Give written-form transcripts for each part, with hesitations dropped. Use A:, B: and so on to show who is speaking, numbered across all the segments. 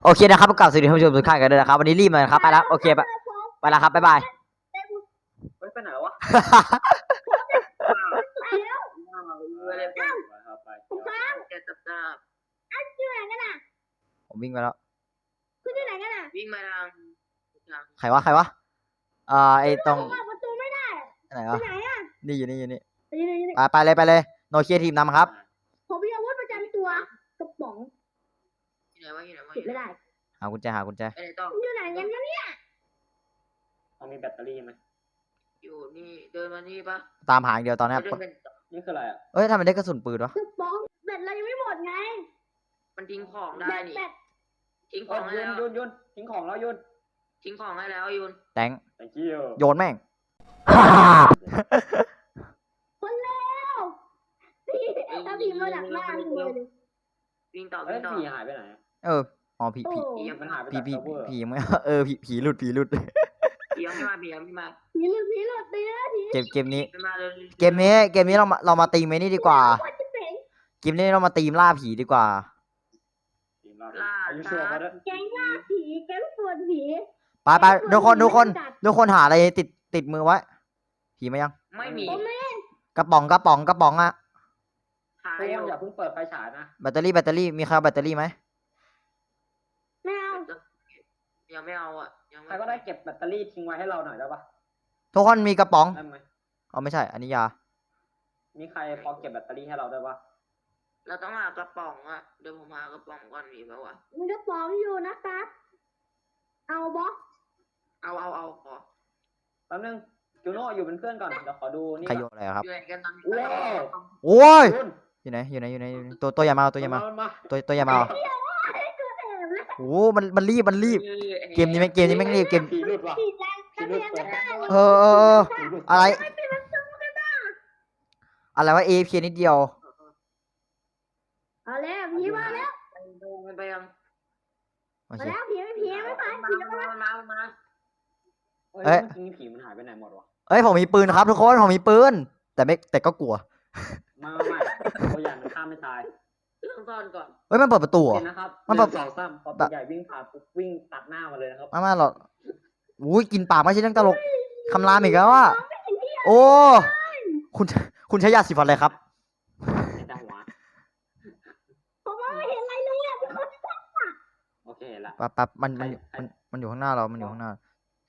A: โอเคนะครับกลับสวัสดีท่านผู้ชมทุกท่านกันด้วยนะครับวันนี้รีบมาครับไปแล้วโอเคไปแล้วครับบ๊ายบาย
B: ไปไหนวะ
A: ผมวิ่งไปแล้ว
C: คุณอยู่ไหนกันอ่ะ
B: วิ่งมาทาง
A: ใครวะไอ้ตรง
C: ประตูไม่ได้
A: ไหนวะ
C: ไหนอ่ะ
A: นี่อยู่นี่ไปเลยโนเคียทีมนำครับ
C: ผมมีอาวุธประจำตัวกระป๋อง
B: ที่ไหนวะ
C: ติดไม่ได้
A: หากุญแจ
B: ไอ้ต่อ
C: อยู่ไหนกันเนี่ย
B: มีแบตเตอรี่ไหมอยู่นี่เดินมานี่ปะ
A: ตามหาอย่างเดียวตอนนี้
B: นี่คืออะไรอ่ะ
A: เอ้ยทำไมได้กระสุนปืนวะ
C: กระป๋องแบตเรายังไม่หมดไง
B: มันทิ้งของได้นี่ทิ้งของให้แล้วยุนทิ้งของแล้วยุนทิ้งของให้แล้วยุน
A: แตง
B: thank you
A: โยนแม่ง
C: คนแล้วถ้าผีมาดักหน้าเลย
B: วิ่งต่อผีหายไปไหน
A: อ๋อผี
B: มันหายไป
A: ผีไม่ผีหลุด
B: ผียังไม่มา
C: ผีหลุด
A: เกมนี้เรามาตีมนี้ดีกว่าเกมนี้เรามาตีมล่าผีดีกว่า
C: แก๊งล่าผีแก๊งปวดผี
A: ไปทุกคนหาอะไรติดมือไว้ผีมายัง
B: ไม่มี
A: กระป๋องอะ
B: หายอย่าเพิ่งเปิดไฟฉายนะ
A: แบตเตอรี่มีใครเอาแบตเตอรี่ไหม
C: ไม่เอา
B: ยังไม่เอาอ่ะใครก็ได้เก็บแบตเตอรี่ทิ้งไว้ให้เราหน่อยได้ปะ
A: ทุกคนมีกระป๋องเอาไม่ใช่อันนี้ยา
B: มีใครพอเก็บแบตเตอรี่ให้เราได้ปะเราต้องหากระป๋องอ่ะเดี๋ยวผมหากระป๋องก่อนมีปะวะ
C: มีกระป๋องอยู่นะครับเอาบอส
B: เอาขอแป๊บนึงจูโน่อยู่เป็นเพื่อนก่อนเดี๋ยวขอดูนี่
A: ใครโยนอะไรครับ
B: อยู่ไหนกันตอนนี้
A: โอ้ยอยู่ไหนตัวใหญ่มาตัวใหญ่มาโอ้มันรีบเกมนี้แม่งรีบเกมอะไรวะAFKนิดเดียว
C: เอาแล้วผีมาแล้ว
B: ไปยัง
C: มาแล้วผีไม่ไป
B: มา
A: เอ้ย
B: ผีมันหายไปไหนหมดวะ
A: ผมมีปืนครับทุกคนผมมีปืนแต่ก็กลัว
B: ไม่ตัวใหญ่มันข้ามไม่ตายต้องซ่อนก่อน
A: มันเปิดประตู
B: นะครับมันเปิด2-3พอตัวใหญ่วิ่งผ่านปุ๊บวิ่งตัดหน้ามาเลยนะครับ
A: มาหรออุ้ยกินปากไม่ใช่เรื่องตลกคำรามอีกแล้วว่าโอ้คุณใช้ยาสีฟันอะไรครับ
C: ผมไม่เห็นอะไรเลยอ่ะ
B: โอเคละ
A: ปั๊บมันอยู่ข้างหน้าเรามันอยู่ข้างหน้า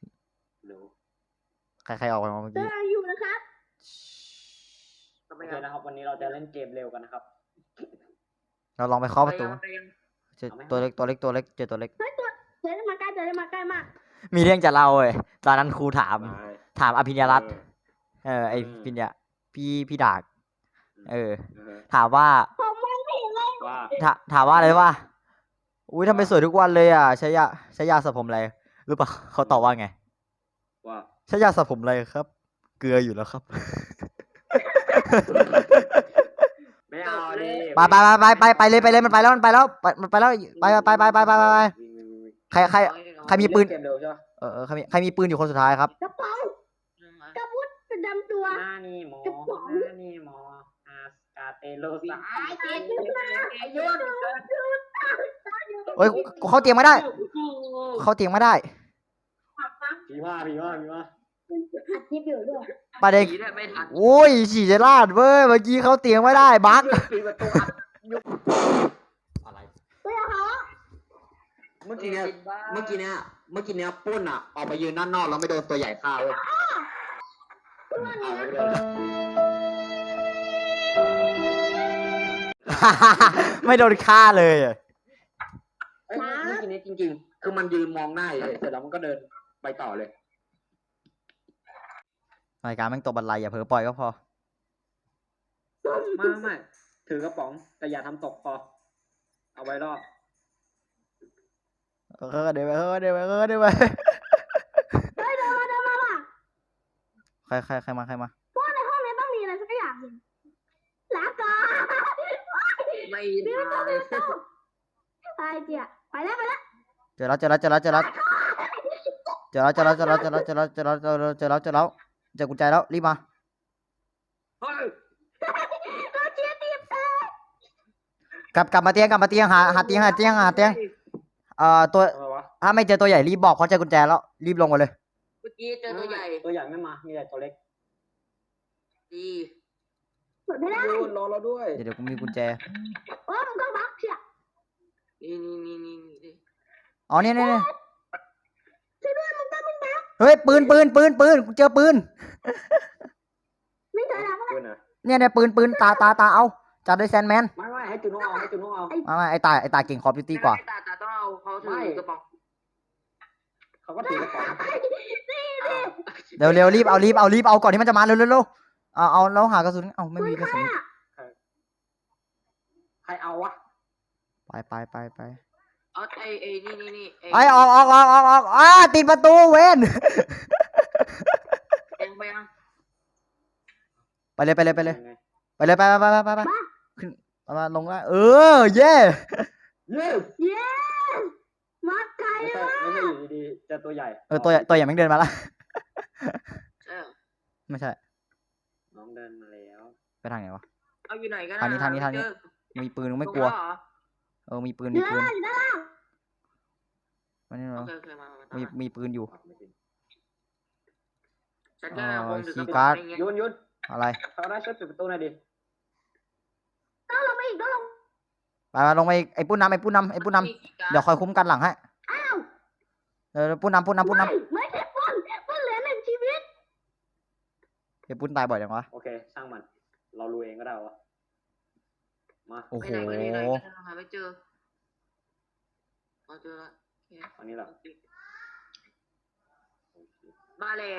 A: ใครออกไปมาเมื่อกี้
C: อยู่นะครับ
B: โอเคนะครับวันนี้เราจะเล่นเกมเร็วกันนะครับ
A: เราลองไปเคาะประตูเจอตัวเล็กเจอตัวเล็ก
C: เจอได้มาใกล้มาก
A: มีเรื่องจะเล่าเลยตอนนั้นครูถามอภิญญารัตน์ไอภิญญาพี่ดากถามว่า
C: ผมมองไม่เห็นเลย
A: ถามว่าอะไรวะอุ้ยทำไมสวยทุกวันเลยอ่ะใช้ยาสระผมอะไรรู้ป่ะเขาตอบว่าไง
B: ว่า
A: ใช้ยาสระผมอะไรครับเกลืออยู่แล้วครับ
B: ไม่เอาดิ
A: ไปเลยมันไปแล้วไปใครมีปืนใครมีปืนอยู่คนสุดท้ายครับ
C: กระเป๋ากระพุ้นประจำตัว
B: หน้านี่หมออาสกาเตโลซา
A: เฮ้ยเขาเตียงไม่ได้
B: ผีว่า
C: อัดคลิปอยู่ด้วย
A: ประเด็นโอ้ยฉี่จะลาดเว้ยเมื่อกี้เขาเตียงไม่ได้บั๊ก
B: อะไร
D: เมื่อกี้เนี้ยปุ้นอ่ะออกไปยืนด้านนอกแล้วไม่โดนตัวใหญ่ฆ่าเว้ย
A: ไม่โดนฆ่าเลย
D: เมื่อกี้นี้จริงๆคือมันยืนมองหน้าเสร็จแล้วมันก็เดินไปต่อเลย
A: รายการแม่งตกบันไลอย่าเผลอปล่อยก็พอ
B: ไม่ถือกระป๋องแต่อย่าทำตกพอเอาไว้รอบ
A: เดี๋ยวไป
C: เดินมา
A: ใครมา
C: พวกในห้องนี้ต้องมีอะไรสักอย่างหนึ่งลาก่อน
B: ไม่
C: ได้ไปเจี๊ยไปแล้ว
A: เจอแล้วเจอกุญแจแล้วรีบมากลับมาเตียงหาเตียงตัว
D: อะไรวะ
A: ถ้าไม่เจอตัวใหญ่รีบบอกเพราะเจอกุญแจแล้วรีบลงมาเลย
B: เมื่อกี้เจอตัวใหญ่
D: ตัวใหญ่ไม่มา มีแต่ตัวเล็ก
B: ดี
C: เปิดไม่ได้
D: ดูรอเราด้วย
A: เดี๋ยวกูมีกุญแจ
C: โอ้มันก็บักเชีย
B: นี่
A: อ๋อเนี่ย
C: ช่วยด้วยมันก็มันบัก
A: เฮ้ยปืนกูเจอปืน
C: ไม่เจอแล้ว
D: ปืนอ่ะ
A: เนี่ยปืนตาเอาจัดด้วยแซนแมน
D: ไม่ให้จุนโนเอาให้จุนโนเอา
A: ไม่ไอตาเก่งคอร์ดิวตี้กว่า
B: ตาต้องเอาเขาถือกระป๋อง
D: เขาก็ถือกระป๋อง
A: เร็วรีบเอาก่อนที่มันจะมาเร็วเอาแล้วหากระสุนเอาไม่มีกระสุน
D: ใครเอาวะ
A: ไป
B: เอาไอ้นี่
A: ไอออกติดประตูเว้น
B: เองไปยัง
A: ไปเลย
D: ยังไง
A: ไปขึ้นมาลงแล้วเย่
D: เย้
C: เย้มาไกล
D: ไม่ใช่
C: มาก
D: ไม่ใช่อยู่ดีๆเจอตัวใหญ่
A: ตัวใหญ่แม่งเดินมาละ
B: ใช่
A: ไม่ใช่
D: น้องเดินมาแล้ว
A: ไปทางไหนวะ
B: เอาอยู่ไหนกัน
A: ทางนี้ มีปืนไม่กลัวมีปืน
C: เยอะอยู่นะ
A: มันนี่
B: โอ
A: เนาะ
B: เคมา
A: มีปืนอยู่
B: ฉันแค่คงถือกระ
A: คีย์
B: ป๋
A: กา
B: อ
A: ร์
B: ง
A: ด
B: อย่างเงี้ย
D: ยุน
A: อะไร
D: เขาได้ช่วยปิดประตูหน่อยดิ
C: ต้องลงมาอีกต้องลง
A: ไปลงไปไอ้ปุ้นนำเดี๋ยวคอยคุ้มกันหลังให้
C: อ้าว
A: ปุ้นนำ
C: ไม่ใช่ปุ้นเหลือหนึ่งชีวิต
A: ไอ้ปุ้นตายบ่อยจังวะ
D: โอเคช่างมัน เรารู้เองก็ได้วะมา
A: โอ้โห
B: ไปไหนหาไม่เจอเจอแล้ว
D: อันนี้แหละ
B: มาแล้ว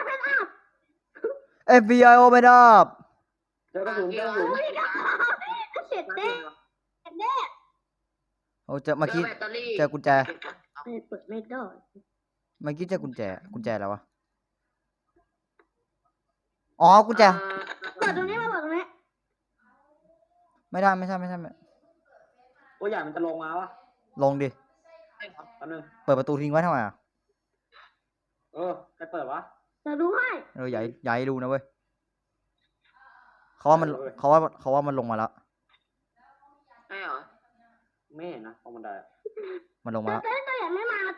A: FBI open up
D: เจอกระสุน
C: เสร็จแน่แน่
A: โอ้เจอเมื่อกี้เจอกุญแจ
C: เปิดไม่ได้
A: เมื่อกี้เจอกุญแจแล้ววะอ๋อกุญแจ
C: เปิดตรงนี้มาเปิดตรงนี้
A: ไม่ได้
D: ตัวใหญ่มันจะลงมาวะ
A: ลงดิ
D: แป๊บนึง
A: เปิดประตูทิ้งไว้ทำไมอ่ะ
D: ใครเปิดวะ
C: จะดูให้
A: อย่าให้ดูนะเว้ยเขาว่ามันลงมาแล้ว
B: ใช่เหรอ
D: ไม่เห็นนะตรงบันได
A: มันลงมาแล้ว
C: ตัวใหญ่ไม่มา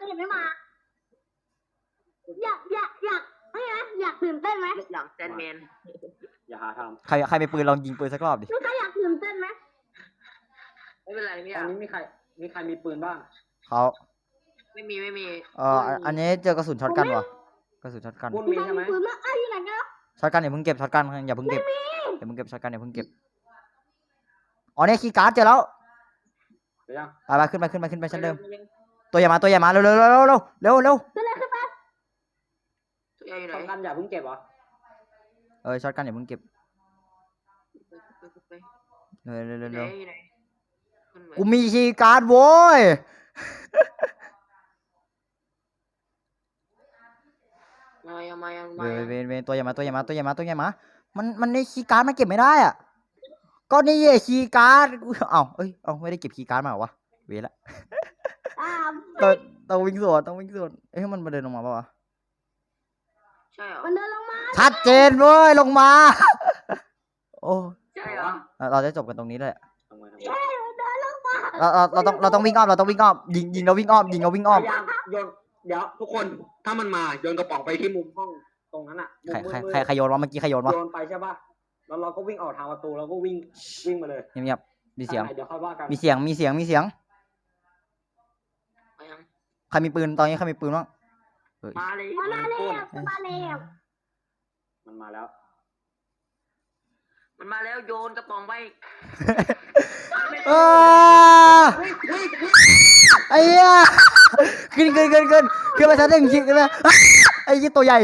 C: อยากตื่นเต้นไหม
B: หลังแซนแมน
D: อย่าหาท
A: ใครมีปืนลองยิงปืนสักรอบดิ
C: ลูกค้าอยากตื่นเต้นไหม
B: ไม่เป็นไรไม่
D: ำตอนนี้มีใครมีปืนบ้าง
A: เขา
B: ไม่มี
A: อันนี้เจอกระสุนช็อตกันวะกระสุนช็อตกัน
D: ปุ้นมีใช่ไหม
C: ปืนมาอยู่ไหนกัน
A: ช็อตกันอย่าเพิ่งเก็บช็อตกันอย่าเพิ่งเก็บช็อตกันอย่าเพิ่งเก็บอ๋อเนี่ยคีย์การ์ดเจอแล้ว
D: เดี๋ยวยัง
A: ไปขึ้นไปชั้นเดิมตัวใหญ่มาเร็ว
C: ขึ้นเลย
B: ตัวใหญ่อยู่ไหน
D: ต้องกันอย่าเพิ่งเก็บเหรอ
A: ช็อตกันอย่าเพิ่งเก็บเร็วกูมีคีย์การ์ดโว้ย
B: มา
A: เวนตัวใหญ่มามันในคีย์การ์ดมันเก็บไม่ได้อ่ะก็นี่คีย์การ์ดเอาไม่ได้เก็บคีย์การ์ดมาเหรอวะเวละต้องวิ่งสวนมันมาเดินลงมาป่าวะ
B: ใช่เหรอ
C: มันเดินลงมา
A: ชัดเจนเว้ยลงมา โอ้
B: ใช่เหรอ
A: เราจะจบกันตรงนี้เลย
D: ทำไม
C: ใช่มันเดินลงมา
A: เราต้องวิ่งอ้อมยิงเราวิ่งอ้อม
D: พยายามโยนเดี๋ยวทุกคนถ้ามันมาโยนกระป๋องไปที่มุมห้องตรงนั้นอ่ะมุมมืด
A: ใครโยนวะเมื่อกี้ใครโยนวะ
D: โยนไปใช่ป่ะแล้วเราก็วิ่งออกทางประตูแล้วก็วิ่งมาเลย
A: เงียบมีเสียง
D: เดี๋ยวค่อยว่ากัน
A: มีเสียงใครมีปืนตอนนี้ใครมีปืนบ้าง
B: มาเลย
C: มาแล้ว
D: มันมาแล้ว
B: มันมาแล้วโยนกระป๋องไป
A: ไอ้เหี้ยขึ้นมาชั้นหนึ่งขึ้นมาไอ้ยี่ตัวใหญ่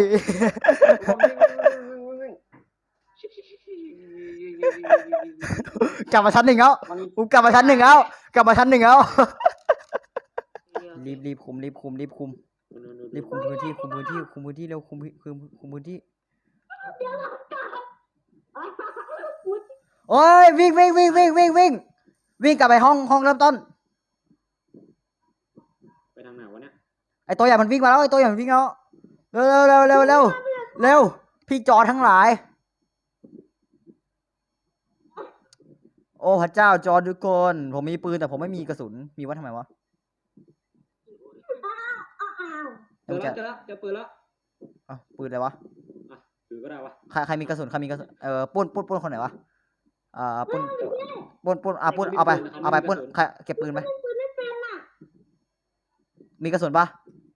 A: กลับมาชั้นหนึ่งแล้วรีบคุมพื้นที่เร็วคุมพื้นที่โอ้ยวิ่งกลับไปห้องเริ่มต้น
D: ไปทางไหนวะเนี่ย
A: ไอตัวใหญ่มันวิ่งมาแล้วเร็วพี่จอทั้งหลายโอ้พระเจ้าจอทุกคนผมมีปืนแต่ผมไม่มีกระสุนมีไว้ทำไมวะ
D: เจอแล้วเจอแล้วเจอปืนแล้ว
A: อ้าวปืนอะไรวะ
D: ถือก็ได้วะ
A: ใครมีกระสุนปุ้นคนไหนวะปุ้นปุ้นเอาไปปุ้นใครเก็บปืนไหม
C: ปืนไม่เป็นอ่ะ
A: มีกระสุนปะ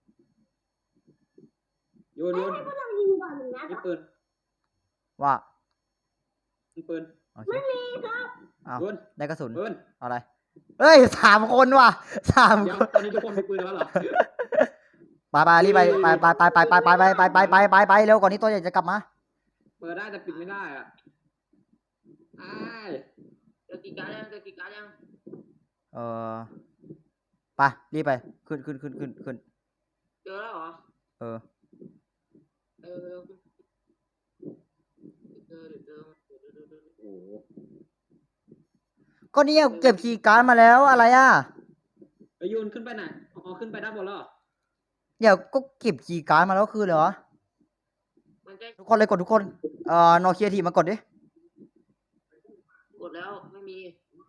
D: โยน
C: ให้พวกเรายิงก่อนหนึ่งนัด
D: นี่ปืน
A: ว่า
D: นี่ปืน
A: โอเค
C: ไม่มีครับ
A: เอา
D: ปืน
A: ได้กระสุน
D: ปืน
A: เอาอะไรเอ้ย3 คนว่ะ3
D: เดี๋ยว
A: คน
D: ตอนนี้ทุกคนมีปืนแล้วเหรอ
A: ไปรีบไปเร็วก่อนนี้ตัวใหญ่จะกลับมา
D: เปิดได้แต่ปิดไม่ได้อ่ะอ้าย
B: เจอกี่การยังเจอกี่การยัง
A: ไปรีบไปขึ้น
B: เจอแล้วเหรอ
A: เออ
B: เออเจอ
D: โอ้โห
A: ก็เนี่ยเก็บคีย์การ์ดมาแล้วอะไรอ่ะ
D: ไปโยนขึ้นไปไหนอ๋อขึ้นไปด้านบนแล้วเหรอ
A: เดี๋ยวก็เก็บคีย์การ์ดมาแล้วคือเหรอ
B: มันใกล้
A: ทุกคนเลยกดทุกคนโนเคียทีมากดดิ
B: กดแล้วไม่มี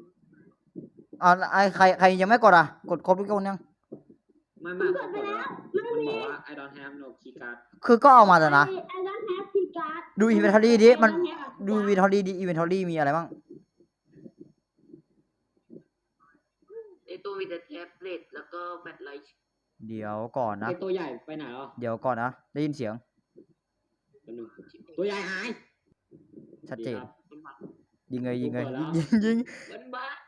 A: ใครยังไม่กดอ่ะกดครบทุกคนยัง
D: ไม่
C: ก
D: เขา
C: ด
D: บ
C: ไป
D: อก
C: แล้ว
D: ว่า
C: ไม่
D: มัน
C: มี
D: บอกว่า I don't have no key card
A: คือก็เอามาแต่นะ
C: ไอ้ด้านแฮปปี้การ์ด
A: ดูอินเวนทอรี่ดิมันดูอินเวนทอรี่ดิอินเวนทอรี่มีอะไรบ้าง
B: ในตัวมีแต่แท็บเล็ตแล้วก็แบตไลท์
A: เดี๋ยวก่อนนะ
D: ไอตัวใหญ่ไปไหนเหรอ
A: เดี๋ยวก่อนนะได้ยินเสียง
D: ตัวหนึ่งตัวใหญ่หาย
A: ชัดเจน
D: ดีครับ
B: มันบัก
A: ยิงเลย
D: กูเปิดแล้ว
A: ยิง
B: มันบัก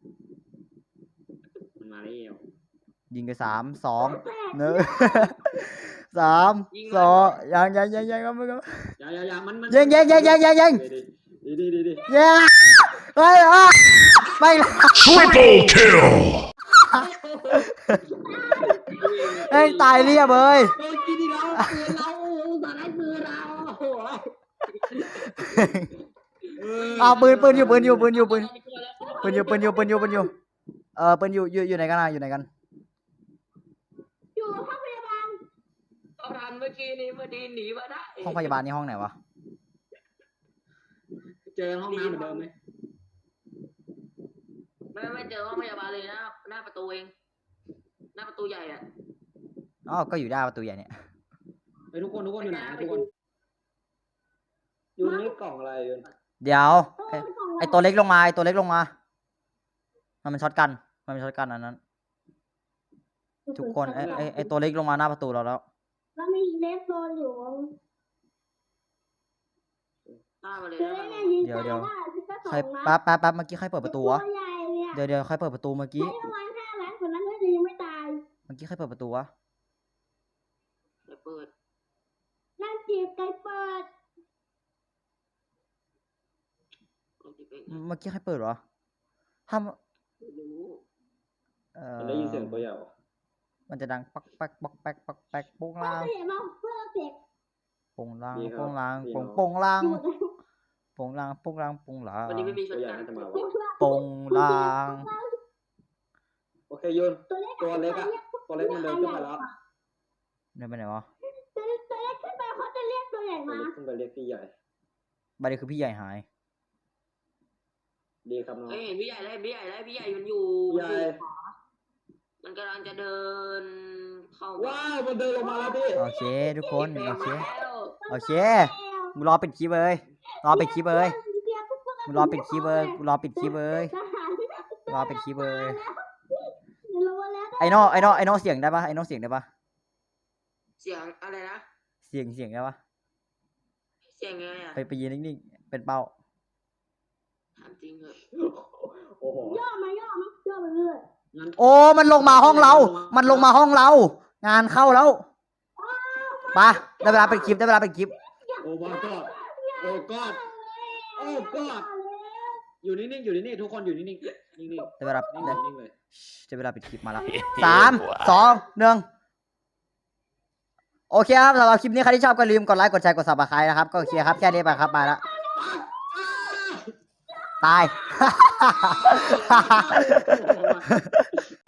D: มันมาแล้ว
A: ยิงกัน3 2 1 3 2ยังก็ไม่ก็
D: อย่ามัน
A: ยิง
D: ดี
A: เย้เฮ้ยไม่
E: Triple kill!
A: เอ้ยตายเรียบเลย
D: โดนกินอีกแล้วปืนเราสารปืนเราโอ้ย
A: เอาปืนอยู่ปืนอยู่ปืนอยู่ไหนกันอยู่ไหนกัน
C: อยู่ห้องพยาบาล
B: เขาทันเมื่อกี้นี้พอดีหนีมาได้
A: ห้องพยาบาลนี่ห้องไหนวะ
D: เจอห้องน้ำเหมือนเดิมไหม
B: ไม่เจอห้องพยาบาลเลยนะหน้าประตูเองหน้าประตูใหญ่อ่ะ
A: อ๋อก็อยู่ด้านประตูใหญ่เนี่ย
D: ไปทุกคนอยู่ไหนทุกคนอยู่นี่กล่องอะไรอยู่
A: เดี๋ยว
C: โอ้ยกล่อง
A: ไอตัวเล็กลงมามันเป็นช็อตกันอันนั้น ทุกคนไอตัวเล็กลงมาหน้าประตูเราแล้ว
C: แล้วมีเลสโซนอยู่
B: หน้ามาเลย
C: เจอ
B: นะ
C: เนี่ยยิง
A: เดี๋ยว
C: ได้ที่ก็
A: ใคร
C: ส่งนะ
A: แป๊บเมื่อกี้ใครเปิดประตูวะ
C: ตัวใหญ่เนี่ย
A: เดี๋ยวใครเปิดประตูเมื่อกี้
C: ให้ประมาณ5 ล้านคนนั้นก็จะยังไม่ตาย
A: เมื่อกี้ใครเปิดประตูวะ
B: เดี๋ยวเปิด
C: นั่นจีบไก่เปิด
B: ลองจิบเอง
A: เมื่อกี้ใครเปิดวะห้าม
B: ไม่รู้
D: ได้ยินเสียงตัวใหญ่
A: มันจะดังปักแป๊กโป้ง
C: เรา
A: ล่าง
C: จะเห็นเราเพื่อเด็ก
A: โป้งล่าง
C: อยู่
A: โป้งล่าง
B: วันนี้ไม่มีช
D: ตัวน ใหญ่
B: กัน
D: น่าจะมา
C: เพื่อ
A: โป้งล่าง
D: โอเคยุน
C: ตัวเล็ก
D: ตัวเล็กอะ ตัวเล็กมันเดินขึ้นไปแล้ว
A: เนี่ยไปไหนวะ
C: ตัวเล็กขึ้นไปเขาจะเรียกตัวใหญ่
D: ตัว
C: มา
D: เล็กขึ้นไปเรียกพี่ใหญ่
A: บัดนี้คือพี่ใหญ่หาย
D: ดีครับน้อง
B: เฮ้ยพี่ใหญ่มันอยู่
D: ใหญ่
B: มันกำลังจะเดินเข้า
D: ว้าวมันเดินลงมาแล้วพี่
A: โอเคทุกคนโอเค
B: แล้ว
A: โอเคมึงรอปิดคลิปเลยมึงรอปิดคลิปเลยไอโน่เสียงได้ปะ
B: เสียงอะไรนะ
A: เสียงได้ปะ
B: เสียงไงอ่ะ
A: ไปยืนนิ่งๆเป็นเป้า
B: ถามจริงเหรอ
D: โอ้โห
C: ย่อมาเรื่อย
D: งั้น
A: โอ้มันลงมาห้องเรา งานเข้าแล้วไปได้เวลาปิดคลิป
D: โอ้บอลก็โอ้กอดโอ้กอดอยู่นิ่งๆทุกคนอยู่นิ่งๆนิ่ง
A: ได้เวลา
D: ๆนิ่งเลย
A: ได้เวลาปิดคลิปมาแล้ว3 2 1โอเคครับสำหรับคลิปนี้ใครที่ชอบก็ลืมกดไลค์กดแชร์กด Subscribe นะครับก็โอเคครับแค่นี้ไปครับไปแล้วตาย